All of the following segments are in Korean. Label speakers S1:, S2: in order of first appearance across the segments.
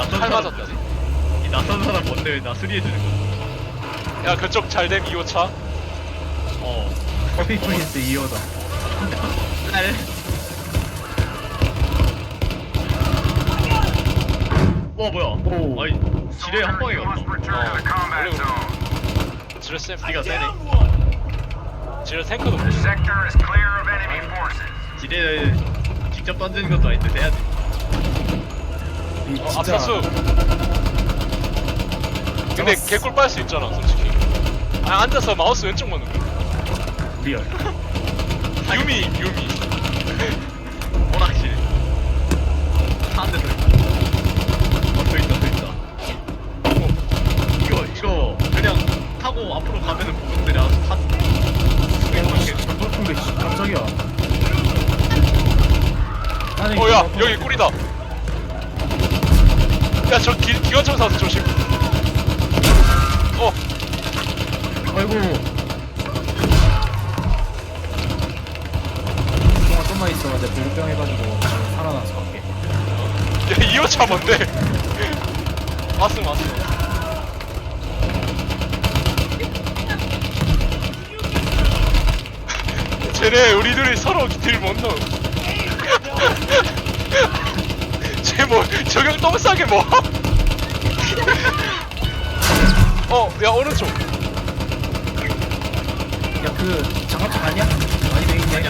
S1: 낯선
S2: 칼
S1: 사람
S2: 맞았다.
S1: 이 낯선 사람 뭔데 왜 나 수리해주는 거야?
S2: 야 그쪽 잘됨 2호차.
S3: 커피 프린스 2호다.
S1: 날. 뭐야?
S3: 오.
S1: 아니 지뢰 한 방에 갔어.
S2: 원래 지뢰 쌤.
S1: 니가 세네.
S2: 지뢰 탱크도 못 써.
S4: Sector is clear of enemy forces.
S1: 지뢰 직접 던지는 것도 아닌데 세야지.
S3: 이 진짜
S2: 앞사수. 근데 개꿀 빨 수 있잖아 솔직히. 아 앉아서 마우스 왼쪽만 누르.
S3: 리얼.
S2: 유미.
S1: 오락실. 한대 더 있다. 더 있다. 이거 그냥 타고 앞으로 가면은 보급들이 아주 한.
S3: 전폭풍 게 깜짝이야. 아니,
S2: 야
S3: 이거
S2: 여기 꿀이다. 야 저 기관총 사서 조심.
S3: 아이고. 그동안 좀만 있어. 내 보급병 해가지고 살아나서 갈게.
S2: 야 2호차 뭔데? 왔음. 쟤네 우리 둘이 서로 딜 못 넣어. 쟤 뭐 적용 너무 싸게 뭐? 야 오른쪽.
S3: 야, 그 장갑차 아니야? 많이 돼 있네.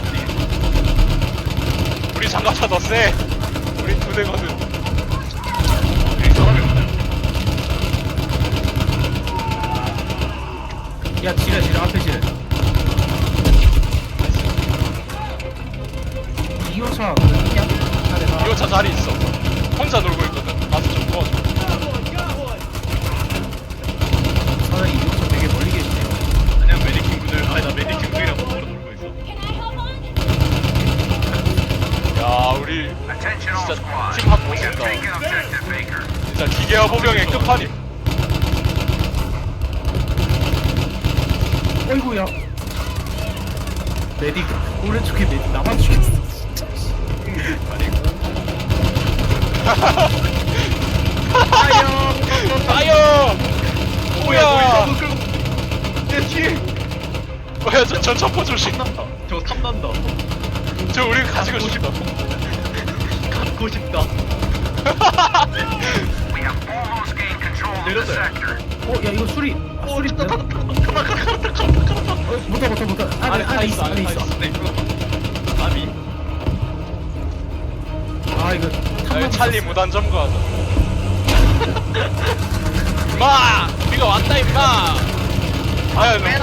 S2: 우리 장갑차 더 세. 우리 두 대거든.
S1: 여기 사람이 없나요?
S3: 야, 지뢰 앞에 지뢰. 2호차 그 있냐?
S2: 2호차 자리 있어. 혼자 놀고 있거든. 가서 좀 도와줘.
S3: 사장님 2호차 되게 멀리 계시네요.
S1: 그냥 메디킹 분들 아니 나 메디킹 분이랑 몸으로 놀고 있어.
S2: 야 우리
S4: Attention all
S2: 진짜
S4: squads.
S2: 팀합
S4: We have
S2: 멋있다.
S4: taken objective Baker.
S2: 진짜 기계화 보병의 끝판임.
S3: 어이구야. 메딕 오른쪽에 메딕 나만 죽였어.
S2: 아유! 뭐야!
S1: 내 뒤에
S2: 뭐야 저 전차포 조심.
S1: 탐난다. 저거 탐난다.
S2: 저 우리 가지고 싶다.
S1: 갖고 싶다.
S4: We have almost gained control of the
S1: 내렸어요.
S4: sector.
S3: 야 이거 수리. 수리.
S1: 됐다.
S3: 못하. 안에 있어.
S1: 네, 이거 아미.
S3: 아 이거
S2: 야, 찰리 무단 점거하자. 임마! 우리가 왔다 임마! 아야 너